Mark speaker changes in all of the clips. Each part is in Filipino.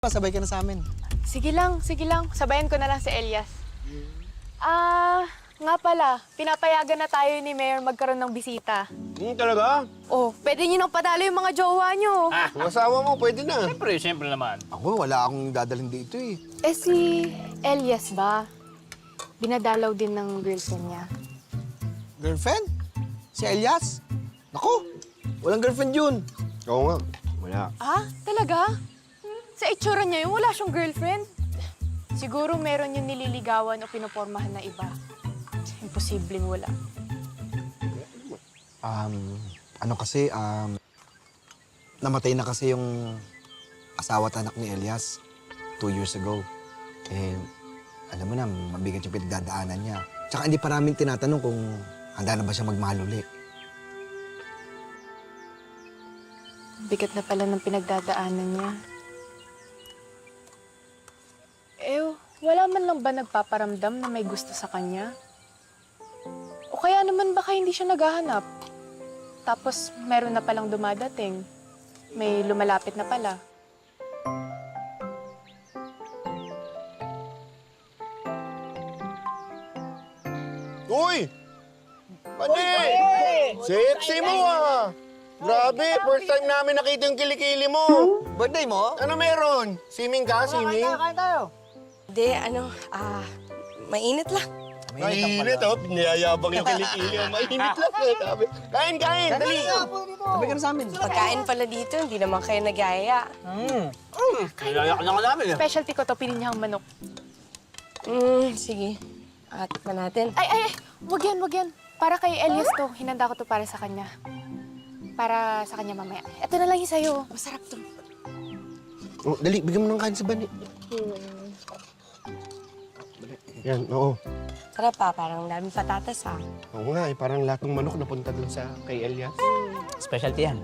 Speaker 1: Pasabay ka na sa amin.
Speaker 2: Sige lang. Sabayan ko na lang si Elias. Nga pala, pinapayagan na tayo ni Mayor magkaroon ng bisita.
Speaker 3: Talaga?
Speaker 2: Oh, pwede niyo nang padalo yung mga jowa niyo.
Speaker 3: Yung asawa mo, pwede na.
Speaker 4: Siyempre naman.
Speaker 1: Ako, wala akong dadalhin dito eh.
Speaker 2: Eh si Elias ba? Binadalaw din ng girlfriend niya.
Speaker 1: Girlfriend? Si Elias? Naku, walang girlfriend yun.
Speaker 3: Oo nga, wala.
Speaker 2: Talaga? Sa itsura niya yun, wala siyang girlfriend. Siguro meron yung nililigawan o pinopormahan na iba. Imposibleng wala.
Speaker 1: Namatay na kasi yung asawa at anak ni Elias 2 years ago. Eh, alam mo na, mabigat yung pinagdadaanan niya. Tsaka hindi pa namin tinatanong kung handa na ba siya magmahal uli.
Speaker 2: Bigat na pala ng pinagdadaanan niya. Wala man lang ba nagpaparamdam na may gusto sa kanya? O kaya naman baka hindi siya naghahanap? Tapos meron na palang dumadating. May lumalapit na pala.
Speaker 3: Uy! Pati! Sexy mo ah! Grabe, first time namin nakita yung kilikili mo.
Speaker 1: Birthday mo?
Speaker 3: Ano meron? Swimming ka? Swimming?
Speaker 5: Hindi, mainit lang.
Speaker 3: Mainit oh, niyayabang yung kilikili. Mainit lang. Sabi. Kain, dali.
Speaker 1: Sabay ka na sa amin.
Speaker 5: Pagkain pala dito, hindi naman kayo nagaya.
Speaker 4: Nilayak na ka namin.
Speaker 2: Specialty ko to, pininyang manok.
Speaker 5: Sige. At pa natin.
Speaker 2: Ay, wag yan. Para kay Elias to, hinanda ko to para sa kanya. Para sa kanya mamaya. Ito na lang yung sa'yo. Masarap to.
Speaker 3: Oh, dali, bigyan mo ng kain sa bani. Yan, oo.
Speaker 5: Sarap pa, parang daming patatas ha.
Speaker 3: Oo nga, parang lahat ng manok napunta dun sa kay Elias.
Speaker 4: Specialty yan.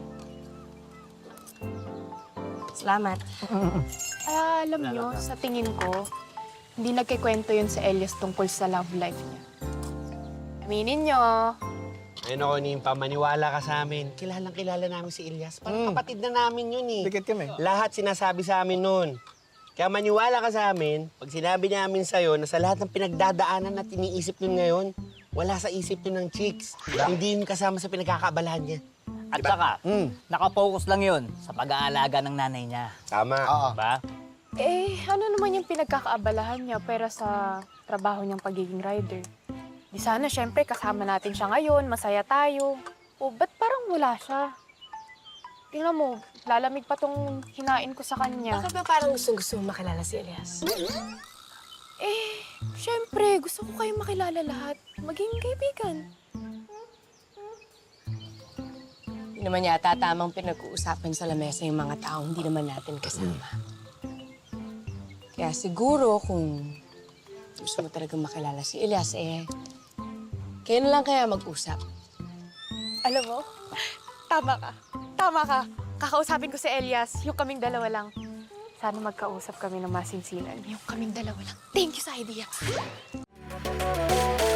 Speaker 5: Salamat.
Speaker 2: Alam nyo, sa tingin ko, hindi nagkikwento yun sa Elias tungkol sa love life niya. Aminin nyo.
Speaker 3: Ayun ako, Nimpa, maniwala ka sa amin. Kilalang-kilala namin si Elias. Parang kapatid na namin yun eh.
Speaker 1: Dikit kami.
Speaker 3: Lahat sinasabi sa amin nun. Kaya maniwala ka sa amin, pag sinabi namin sa'yo na sa lahat ng pinagdadaanan na tiniisip nun ngayon, wala sa isip nun ng chicks. Hindi yun kasama sa pinagkakaabalahan niya.
Speaker 4: At saka, nakapokus lang yun sa pag-aalaga ng nanay niya.
Speaker 3: Tama.
Speaker 4: Diba?
Speaker 2: Ano naman yung pinagkakaabalahan niya pera sa trabaho niyang pagiging rider? Di sana, syempre, kasama natin siya ngayon, masaya tayo. O, ba't parang wala siya? Tingnan mo, lalamig pa tong hinain ko sa kanya.
Speaker 5: Bakit ba parang gusto mo makilala si Elias?
Speaker 2: Syempre, gusto ko kayong makilala lahat. Maging kaibigan.
Speaker 5: Hindi naman yata tamang pinag-uusapan sa lamesa yung mga taong hindi naman natin kasama. Kaya siguro kung gusto mo talagang makilala si Elias, kayo na lang kaya mag-usap.
Speaker 2: Alam mo, tama ka. Kakausapin ko si Elias, yung kaming dalawa lang. Sana magkausap kami ng masinsinan. Yung kaming dalawa lang. Thank you sa idea.